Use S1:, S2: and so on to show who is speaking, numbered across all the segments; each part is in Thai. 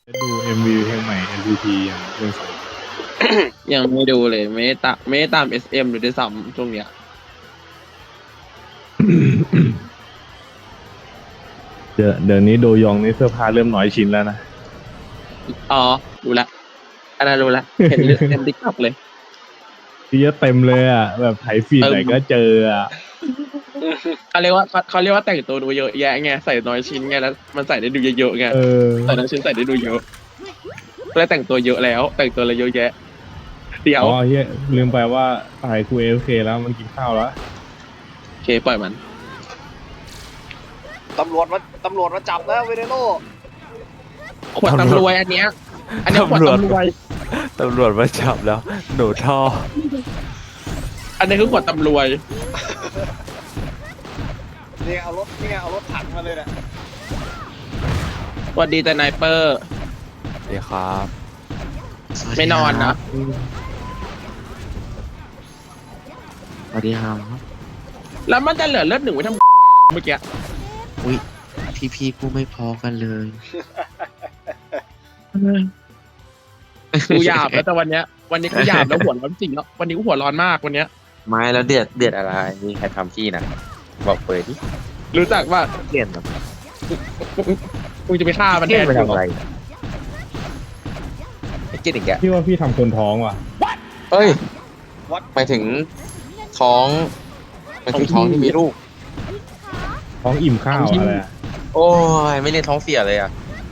S1: ดู MV เพลงใหม่ NCT อย่างเรื่องสอง
S2: ยังไม่ดูเลยไม่ได้ตาม SM หรือด้วยซ้ำช่วงเนี้ย
S1: เดี๋ยวนี้โดยองนี่เสื้อผ้าเริ่มน้อยชิ้นแล้วนะ
S2: อ๋อรู้ละอันนั้นรู้ละเห็นเต็มติ๊กต็อกเลย
S1: ที่เต็มเลยอ่ะแบบไถฟีดไหนก็เจออ่ะ
S2: เขาเรียกว่าแต่งตัวดูเยอะแยะไงใส่น้อยชิ้นไงแล้วมันใส่ได้ดูเยอะๆไง
S1: เออ
S2: ใส่น้อยชิ้นใส่ได้ดูเยอะแล้วแต่งตัวเยอะแล้วแต่งตัวอะไรเยอะแยะเดี๋ยว
S1: อ๋อเฮียลืมไปว่าตายกู AFK แล้วมันกินข้าวแล้ว
S2: โอเคปล่อยมัน
S3: ตำรวจมาจับแล้วเวเนโร
S2: ขวดตำรวยอันเนี้ยขวดตำรวย
S4: ตำรวจมาจับแล้ว หนูท่อ
S2: อันนี้คือขวดตำรวย
S3: นี่เอารถถังมาเลยเนี่ย
S2: สวัสดีแต่ไนเปอร์
S4: เดี๋ยวครับ
S2: ไม่นอนนะ
S4: สวัสดีครับ
S2: แล้วมันจะเหลือเลือดหนึ่งไว้ทำอะไรเมื่อกี้
S4: อุ้ยพี่กูไม่พอกันเลย
S2: กูหยาบแล้วแต่วันนี้กูหยาบแล้วหัวร้อนจริงแล้ววันนี้กูหัวร้อนมากวันเนี้ย
S4: ไม่แล้วเดือดอะไรมีใครทำพี่นะบอกเปิดดิ
S2: รู้จักว่า
S4: เกลียดแบบ
S2: กูจะไปฆ่ามัน
S4: เกลี
S2: แท
S4: ยด
S2: น
S4: ไป
S2: กู
S4: ทำอะไรไอ้เกลียดอีกแก
S1: พี่ว่าพี่ทำคนท้องว่ะ
S4: เอ้ย
S3: วัด
S4: หมายถึงท้องหมายถึงท้องที่มีลูก
S1: ท้องอิ่มข้าวอะไรอะ
S4: โอ้ยไม่เรียนท้องเสียเลยอ่ะ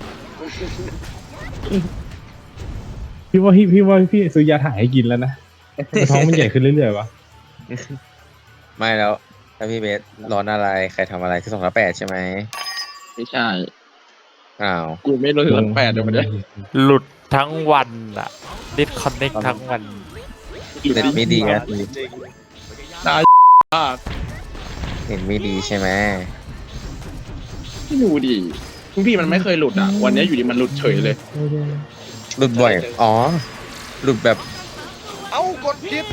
S1: พี่ว่าพี่ซื้อยาถ่ายให้กินแล้วนะแต่ท้องมันใหญ่ขึ้นเรื่อยๆวะ
S4: ไม่แล้วถ้าพี่เบสร้อนอะไรใครทำอะไรคือ2/8ใช่ไหม
S2: ไม่ใช่
S4: อ้าว
S2: กูไม่รู้ถึง8เดี๋ยวมันเนี่ย
S5: หลุดทั้งวันอะดิสคอนเน็กทั้งวัน
S4: เน็ตไม่ดีอะ
S3: จริง
S2: ตายมาก
S4: เน็ตไม่ดีใช่ไหม
S2: ไม่ดูดิทุกทีมันไม่เคยหลุดอ่ะวันนี้อยู่ดีมันหลุดเฉยเลย
S4: หลุดบ่อยอ๋อหลุดแบบ
S3: เอ้ากดผิด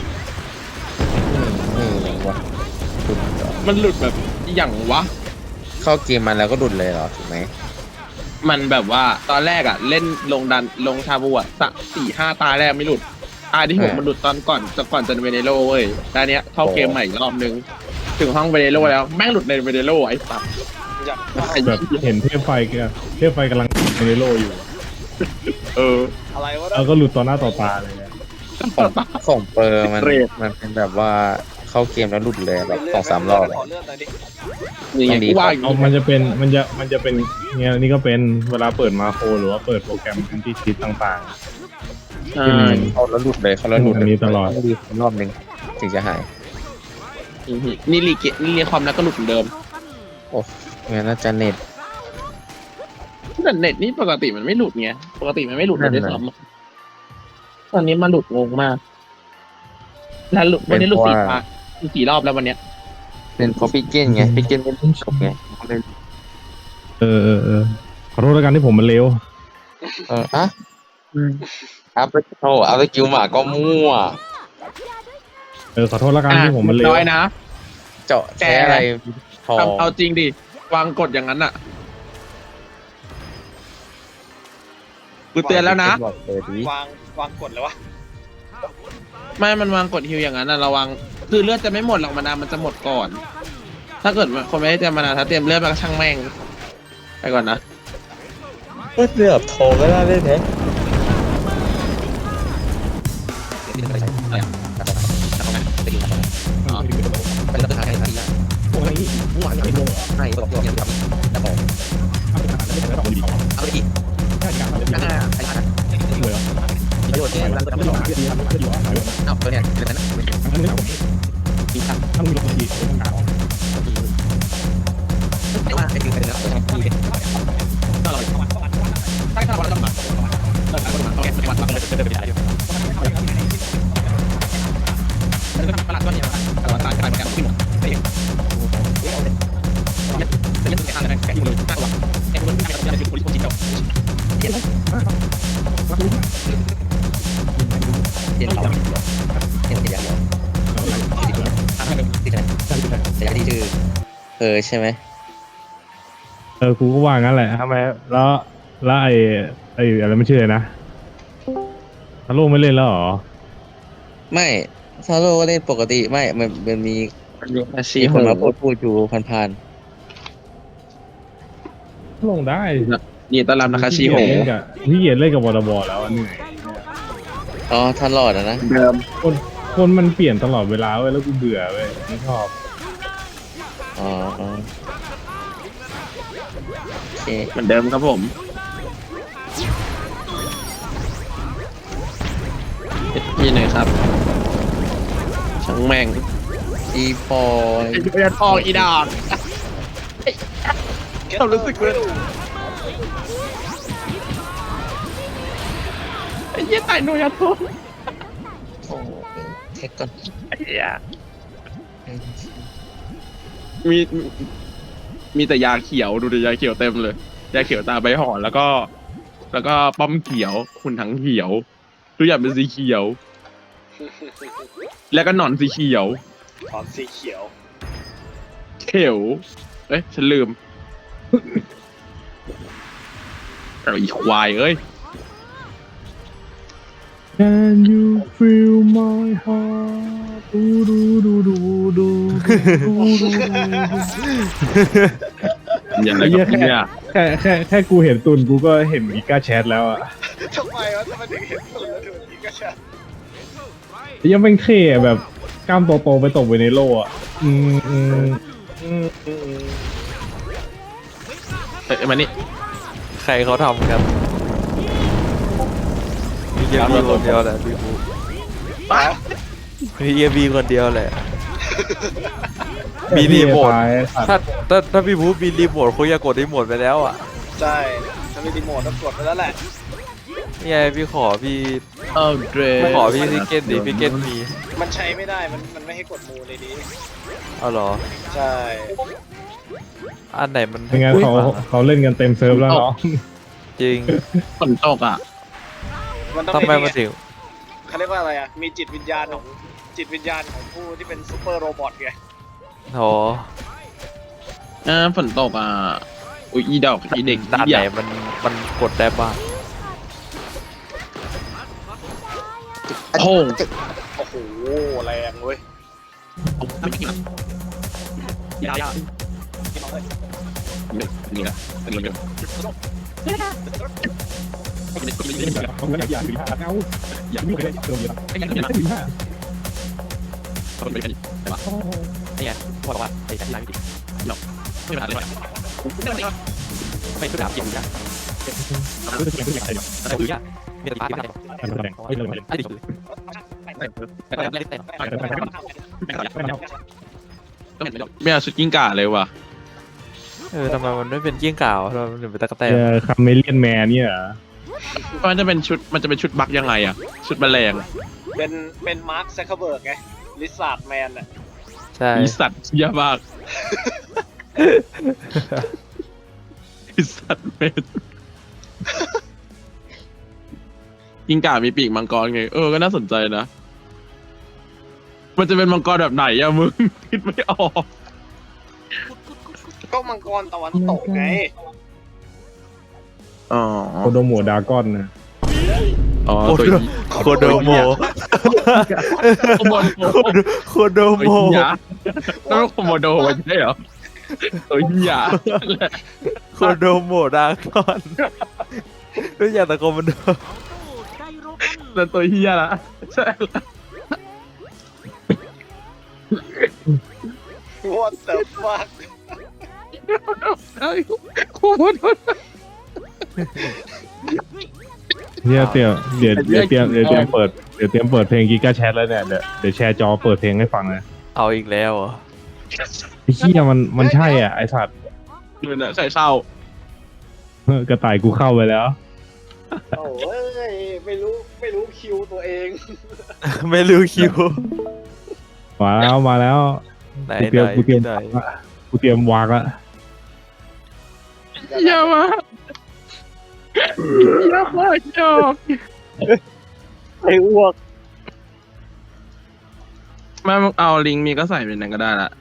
S4: วะหลุดเหรอ
S2: มันหลุดแบบอย่างวะ
S4: เข้าเกมมาแล้วก็หลุดเลยเหรอถูกไหม
S2: มันแบบว่าตอนแรกอ่ะเล่นลงชาบูอ่ะสัก4-5 ตาแรกไม่หลุดตาที่6มันหลุดตอนก่อนจะเวเนโรเว้ยตอนเนี้ยเข้าเกมใหม่อีกรอบนึงถึงห้องเวเนโรแล้วแม่งหลุดในเวเนโรไอ้สัส
S3: อย่าง
S1: แบบเห็นเทพไฟกำลังในโลอยู่
S2: เออ
S3: อะไรวะ
S1: แล้วก็หลุดต่อหน้าต่อตาเลยอะ
S4: ของเปอร์มัน
S2: เรท
S4: มันเป็นแบบว่าเข้าเกมแล้วหลุดเลยแบบ2-3 รอบเลย
S3: ขอเลื่อนหน่อยดิ
S2: นี่ไง
S4: ต้องดี
S2: กูว่าอย่าง
S1: เอา
S2: นี้
S1: มันจะเป็นเนี่ยนี่ก็เป็นเวลาเปิดมาโครหรือว่าเปิดโปรแกรมแอนตี้ชีตต่าง
S2: ใช่
S4: เข้าแล้วหลุดเลยเข้าแล้วหลุด
S1: อันนี้ตลอด
S4: ต้องดีรอบนึงถึงจะหาย
S2: นี่รีความแล้วก็หลุดเหมือนเดิม
S4: โอ้งั้นน่าจะเน็ต
S2: แต่เน็ตนี่ปกติมันไม่หลุดไงปกติมันไม่หลุดเลยด้วยซ้ำตอนนี้มันหลุดงงมากแล้วหลุดวันนี้หลุด4 รอบแล้ววันเนี้ย
S4: เป็นเพราะพี่เก้นไงพี่เก้นไม่ได้จบไงเขาเลย
S1: ขอโทษแล้วกันที่ผมมันเร็ว
S4: อะอัพโอ้อัพสกิลหมาก็มั่ว
S1: ขอโทษแล้วกันที่ผมมันเร็ว
S2: น้อยนะ
S4: เจาะแค่อะไรทอง
S2: เอาจริงดิวางกฎอย่างนั้นอ่ะกูเตือนแล้วนะ
S4: บอกเปิดดิ
S3: วางกดเลยวะ
S2: ไม่มันวางกฎฮิวอย่างนั้นนะระวังคือเลือดจะไม่หมดหรอกมันจะหมดก่อน ถ้าเกิดคนไม่ได้เตรียมมานาถ้าเตรียมเลือดมาก็ช่างแม่งไปก่อนนะ
S4: ก็เสือบทองก็ได้เลยเนี่ย
S1: กูก็ว่างั้นแหละทำไมแล้วไอ้ไอ้อะไรไม่เชื่อนะฮาโลไม่เล่นแล้วเหรอ
S4: ไม่ซาโลก็เล่นปกติไม่มันมี
S2: อาชี
S4: มี
S2: พ
S4: คนมาพูดอยู่ผ่าน
S1: ลงได้
S2: นี่ต้อนรับนะคะชีโห
S1: พี่เกียรเล่นกับวอร์บอแล้วอะเหนื่อย
S4: ๆอ๋อท่านหลอดอะนะ
S2: เดิม
S1: คนมันเปลี่ยนตลอดเวลาเว้ยแล้วกูเบื่อเว้ยไม่ชอบ
S4: อ๋อโอเค
S2: เหมือนเดิมครับผมพี่หน่อยครับช่างแม่ง
S4: อีปอย
S2: ไอ้เพื่อนออกอีดอกเรารู้สึกเลยไอ้เหี้ยตายโนยาโต
S4: โอ้เทคก่อน
S2: ไอ้เหี้ยมีมีแต่ยาเขียวดูดิยาเขียวเต็มเลยยาเขียวตาใบห่อนแล้วก็ป้อมเขียวคุณถังเขียวทุกอย่างเป็นสีเขียว แล้วก็หนอนสีเขียว
S3: ถอนสีเขียว
S2: เขียวเอ้ยฉันลืมเอาอีควายเอ้ย
S1: Can you feel my heart ดูดูดูดูดูดู
S2: อย่างไรกับเนี่ย
S1: แค่กูเห็นตุนกูก็เห็นอีกาแชทแล้วอะ
S3: ทำไมวะทำไมถึงเห็นสุดแล้วถึงนี้ก็ใช่
S1: ยังเป็นเท่อะแบบกล้ามโตๆไปตกไปในโลอะอืมอืมอืมอืม
S2: เอ้ยมานี่
S5: ใครเขาทำกันมีเยบีคนเดียวแหละพี่บูมีเยบีคนเดียวแหละ มีรีโมท ถ้าพี่บูมีรีโมทเขาอยากกดรีโมทไปแล้วอ่ะ
S3: ใช่ถ้ามีรีโมทต้องกดไปแล้วแหละ
S5: นี่ไงพี่ขอพี่
S2: เออเดร
S5: ขอพี่ซิกเก้นดิพี่เก้นมี
S3: มันใช้ไม่ได้มันไม่ให้กดมูในนี้
S5: เอาเหรอ
S3: ใช่
S5: อันไหนมัน
S1: ไม่งั้นเขาเล่นกันเต็มเซิร์ฟแล้วเนาะ
S5: จริง
S2: ฝนตกอ่ะ
S3: มันต้อง
S5: ทำไม
S3: มี
S5: มาถึง
S3: เขาเรียกว่าอะไรอ่ะมีจิตวิญญาณของผู้ที่เป็นซูเปอร์โรบอทไง
S5: โถ
S2: ฝนตกอ่ะอุ้ยอีดอกอีเด็ก
S5: ด่าน
S2: ให
S5: ไหน
S2: ญ่
S5: มันกดได้บ้าง
S2: โค้ง
S3: โอ้โหแรงเว้ย
S2: ยา
S3: พี่น้องเอ้ย
S2: นี่แหละเป็นเรื่อง
S1: อยากถึงห้าเอาอยากไม่เคยเจอเยอะถึงห้า
S5: นี่ไงบอกว่าไอ้ที่ร้านพี่ไม่เป็นไรเลยไม่คือดาบเกี่ยวนะแต่ดูยากมีแต่ปาไม่ได้อันนี้คือแต่ไม่ได้แต่
S2: ไม่เอาชุดกิ้งก่าเลยว่ะ
S5: ทำไมมันไม่เป็นเกี้ยงก่าวทำไมมันถึงเป็นตะกั่วแตน
S1: คาเมเลียนแมนเนี่ย
S2: มันจะเป็นชุดบักยังไงอ่ะชุดแมลง
S3: เป็นมาร์คแซคเคอร์เบิร์กไงลิซาร์ดแมนอ่ะ
S5: ใช่
S2: อีสัตว์เหี้ยมากอีสัตว์เป็นกิ้งก่ามีปีกมังกรไงก็น่าสนใจนะมันจะเป็นมังกรแบบไหนอะมึงคิดไม่ออก
S3: ก็มังกรตะวันตกไง
S2: อ๋อ
S1: โคโดโมดากอนนะ
S2: อ๋อ
S5: โค
S2: ตัว
S5: โดโคโดโม
S2: โคโมโด
S5: โคโดโม
S2: ตัวเหี้ยแล้วโคโมโดมันใช่เหรอตัวเหี้ย
S5: โคโดโมดากอนรู้จักแต่โคโมโด
S2: นั่นตัวเหี้ยละใช่
S3: What the fuck
S2: โคโมโด
S1: เนี่ยเตรียมเปิดเพลงกิกาแชทแล้วเนี่ยเดี๋ยวแชร์จอเปิดเพลงให้ฟังนะ
S5: เอาอีกแล้วเหรอ
S1: ไอ้เหี้ยมันใช่อ่ะไอสัตว์
S2: ดูนะใส่เศร้าก
S1: ระต่ายกูเข้าไปแล้ว
S3: โอ้ยไม่รู้คิวตัวเอง
S5: ไม่รู้คิว
S1: มาแล้ว
S5: ไหน
S1: กูเตรียม
S5: ไหน
S1: กูเตรียมวางละ
S2: เหี้ยมากเหี้ยมากจอก
S3: ไอ้อ้วก
S2: แม่เอาลิงก์มีก็ใส่เป็นนั้นก็ได้ละ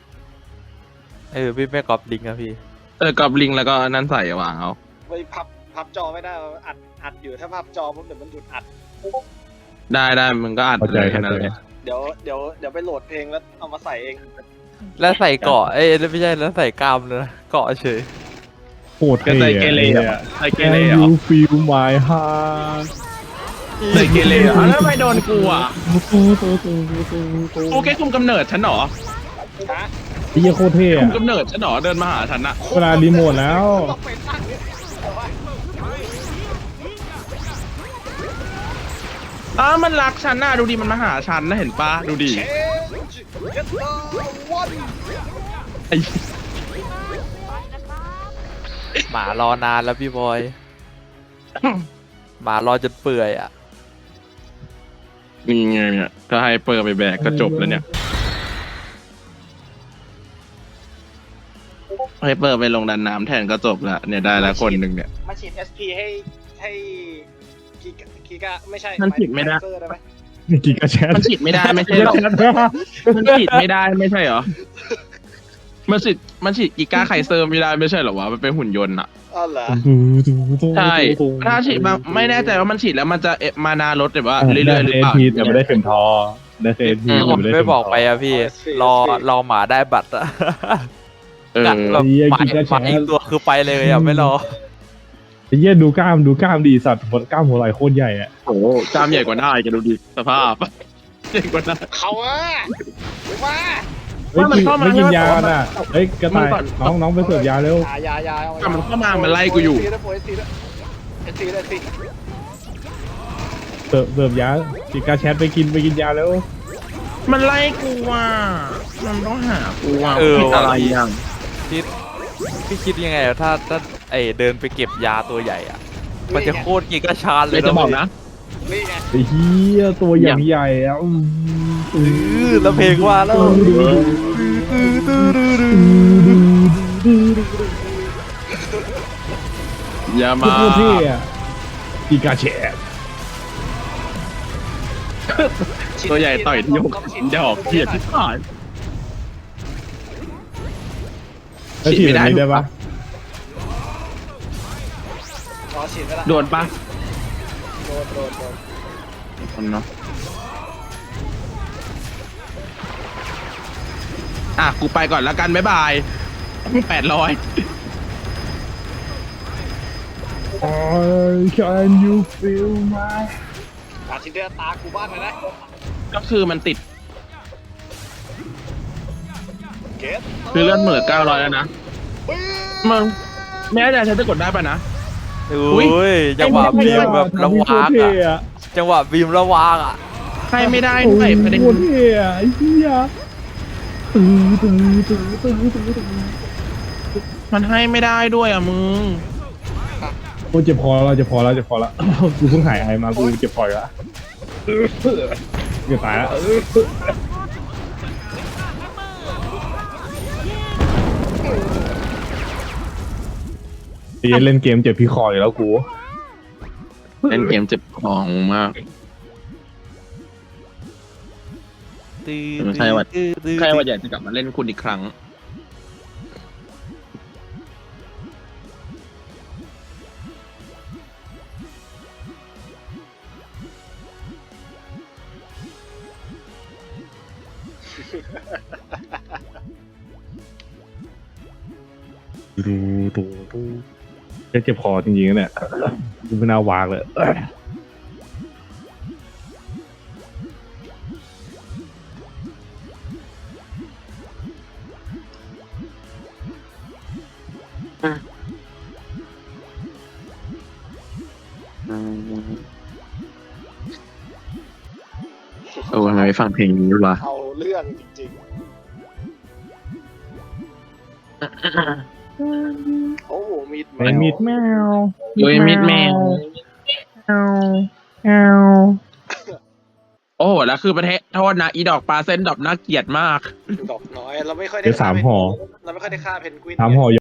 S5: พี่แม่กอบลิงอะพี่
S2: กับลิงก์แล้วก็นั่นใส่วางเอา
S3: ไปพับพับจอไม่ได้อัดอยู่ถ้าพับจอปุ๊บเดี๋ยวมันหยุดอัด
S2: ได้มึงก็อัด
S1: เข้าใจ
S2: เลยแค่
S1: เข้า
S2: นั้น
S1: ใจ
S2: เลย
S3: เดี๋ยวไปโหลดเพลงแล้วเอามาใส่เอง
S5: แล้วใส่เกาะไม่ใช่แล้วใส่กล้ามเลยนะเกาะเฉย
S1: โคตร
S2: ก็
S1: เท่
S2: ใจเกเร
S1: อะ
S2: อ่ะใจเก
S1: Can
S2: เรเหรอ
S1: you feel my heart
S2: ใจเกเรเหรอแล้วทำไมโดนกูอ่ะกูแค่คุมกำเนิดฉันเหรอ
S3: ฮะ
S1: ไอ้เหี้ยโคตรเท่
S2: คุม
S1: อะ
S2: กำเนิดฉันเหรอเดินมาหาฉันอะ
S1: เวลารีโมทแล้ว
S3: ต้องไปตั้งเอาไว้
S2: มันรักฉันน่ะดูดิมันมาหาฉันนะเห็นปะดูดิ
S3: Change get the one
S2: ไอ้
S5: หมารอนานแล้วพี่บอยหมารอจนเปื่อยอ่ะ
S2: นี่ไงเนี่ยก็ให้เปิดไปแบกก็จบแล้วเนี่ยให้เปิดไปลงดันน้ำแทนก็จบละเนี่ยได้แล้วคนหนึ่งเนี่ย
S3: มาฉีด SP ให้กีกาไม่ใช่
S2: มันฉีดไม่ได้
S3: เซอร์ได้ไหม
S1: นี่กินกระแชท
S2: มันฉีดไม่ได้ไม่ใช่หรอมันฉีดไม่ได้ไม่ใช่เหรอมันฉีดกีก้าไคเซอร์ไม่ได้ไม่ใช่เหรอวะมันเป็นหุ่นยนต์อะ
S3: อ๋อเหรอ
S2: ใช่ถ้าฉีดมาไม่แน่ใจว่ามันฉีดแล้วมันจะมานาลดหรือว่าเรื่อยๆหรือเปล่า
S1: ทีแต่ไม่ได้เข็มทอได้เอที
S5: ผมไม่บอกไปอะพี่ รอหมาได้บัตรอะ
S2: เออ
S5: แบบหมาอีกตัวคือไปเลยอะไม่รอ
S1: ไอ้เหี้ยดูกล้ามดีสัตว์กล้ามหัวไหล่โคตรใหญ่อะ
S2: โอ้กล้ามใหญ่กว่าหน้าอีกดูดิสภาพใหญ่กว่าหน้า
S3: เขาอะมา
S1: เฮ้ย
S2: ว่ามันเข้ามา
S1: ไม่กินยา
S2: แล้ว
S1: น่ะเฮ้ยกระต่าย
S2: มันก่อน
S1: น้องไปเสิร์ฟยาเร็ว
S3: ยา
S2: แต่มันเข้ามามันไล่กูอยู่
S3: เอสซีด้วยเอสซี
S1: เสิร์ฟยากินกาแชทไปกินยาเร็ว
S2: มันไล่กูว่ะมันต้องหากูว่ะ
S5: เออ
S2: ผิดอะไรอย่าง
S5: พี่คิดยังไงอะถ้าเดินไปเก็บยาตัวใหญ่อะมันจะโคตรกินกระชานเล
S2: เลย ยจะบอกนะ
S3: นี่ไง
S1: ไอ้เหี้ยตัวอย่างใหญ่อะ
S5: แล้วเพลงว่าแล้ว
S2: อย่า
S1: โค
S2: มา
S1: ตรเท่อะกินกาแชท
S2: ตัวใหญ่ต่อยที่หกดอกเกลียดที่ผ่าน
S1: แล้วฉีดแบบนี้ได้ปะ
S3: อ๋อฉีดไม่ได้
S2: โดนปะ
S3: โดน
S2: คนเนาะอ่ะกูไปก่อนแล้วกันบ๊ายบาย800
S1: Can you feel my
S3: อาทิตย์เดียวตากูบ้างเลยนะ
S2: ก็คือมันติด
S3: เกต
S2: คือเลื่อนเหมือ900แล้วนะมึงแม้แต่ฉันจะกดได้ปะนะ อุ๊ย
S5: อุ้ยจังหวะบีมแบบระวาก
S1: โคตรเท่
S5: อะจังหวะบีมระวากอะ
S2: ให้ไม่ได้ด้วยประเด็น
S1: โคตรเท่อะไอ้เหี้ยตื้อ
S2: มันให้ไม่ได้ด้วยอ่ะมึง
S1: โอ้เจ็บคอแล้วกูเพิ่งหายไอมากูเจ็บคอแล้วจะตายแล้วเล่นเกมเจ็บพี่คออยู่แล้วกู
S2: เล่นเกมเจ็บของมาก ใครว่าอยากจะกลับมาเล่นคุณอีกครั้ง
S1: ดูเจ็บคอจริงๆเนี่ยดูไม่น่าวางเลย
S2: โอ้ทำไมไม่ฟังเพลงนี้วะ
S3: เอาเรื่องจริงๆโอ้โหมีด
S1: ไอ้มิดแมว
S2: โดยมิดแมว
S1: แมว
S2: โอ้โหแล้วคือประเทศโทษนะอีดอกปลาเส้นดอกน่าเกลียดมาก
S3: ดอกน้อยเราไม่ค่อยได้
S1: เดี๋ยว3 ห่อ
S3: เราไม่ค่อยได้ฆ่าเพนกวิน
S1: 3 ห่อ